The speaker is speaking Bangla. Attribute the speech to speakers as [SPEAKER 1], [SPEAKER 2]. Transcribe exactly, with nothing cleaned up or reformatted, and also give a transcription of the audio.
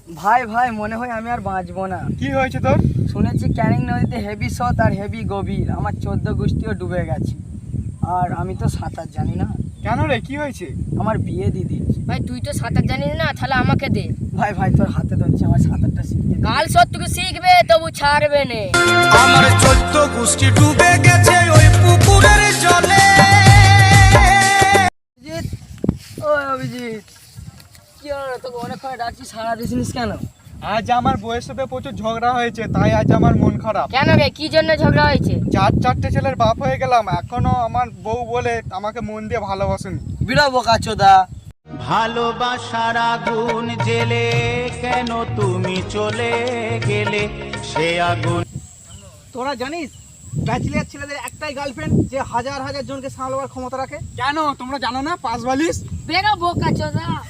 [SPEAKER 1] ভাই ভাই মনে হয় আমি আর বাঁচবো না।
[SPEAKER 2] কি হয়েছে তোর?
[SPEAKER 1] শুনেছি ক্যানিং নদীতে হেভি স্রোত আর হেভি গভীর, আমার চোদ্দ গোষ্ঠীও ডুবে গেছে, আর আমি তো সাঁতার জানি না।
[SPEAKER 2] কেন রে, কি হয়েছে?
[SPEAKER 1] আমার বিয়ে দিদি।
[SPEAKER 3] ভাই তুই তো সাঁতার জানিস না, তাহলে আমাকে দে।
[SPEAKER 1] ভাই ভাই তোর হাতে ধরছি, আমার সাঁতারটা শিখতে দে।
[SPEAKER 3] কাল সত্যি শিখবে তবু ছাড়বে না।
[SPEAKER 4] আমার চোদ্দ গোষ্ঠী ডুবে গেছে ওই পুকুরের জলে।
[SPEAKER 1] অভিজিৎ, ও অভিজিৎ, কি হলো তোকে অনেকক্ষণ ডাকছি, সারা দিছিস কেন?
[SPEAKER 2] আজ আমার বউয়ের সাথে প্রচুর ঝগড়া হয়েছে, তাই আজ আমার মন খারাপ।
[SPEAKER 3] কেন রে, কি জন্য ঝগড়া হয়েছে?
[SPEAKER 2] চার চারটে ছেলের বাপ হয়ে গেলাম, এখনো আমার বউ বলে আমাকে মন দিয়ে ভালোবাসেনি।
[SPEAKER 1] বিড়াবো কাচোদা।
[SPEAKER 4] ভালোবাসার আগুন জেলে কেন তুমি চলে গেলে, সে আগুন।
[SPEAKER 2] তোরা জানিস ব্যাচেলর ছেলেদের একটাই গার্লফ্রেন্ড যে হাজার হাজার জনকে সামলাবার ক্ষমতা রাখে? কেন তোমরা জানো না? পাঁচ বালিশ।
[SPEAKER 3] বেরো বোকা চোদা।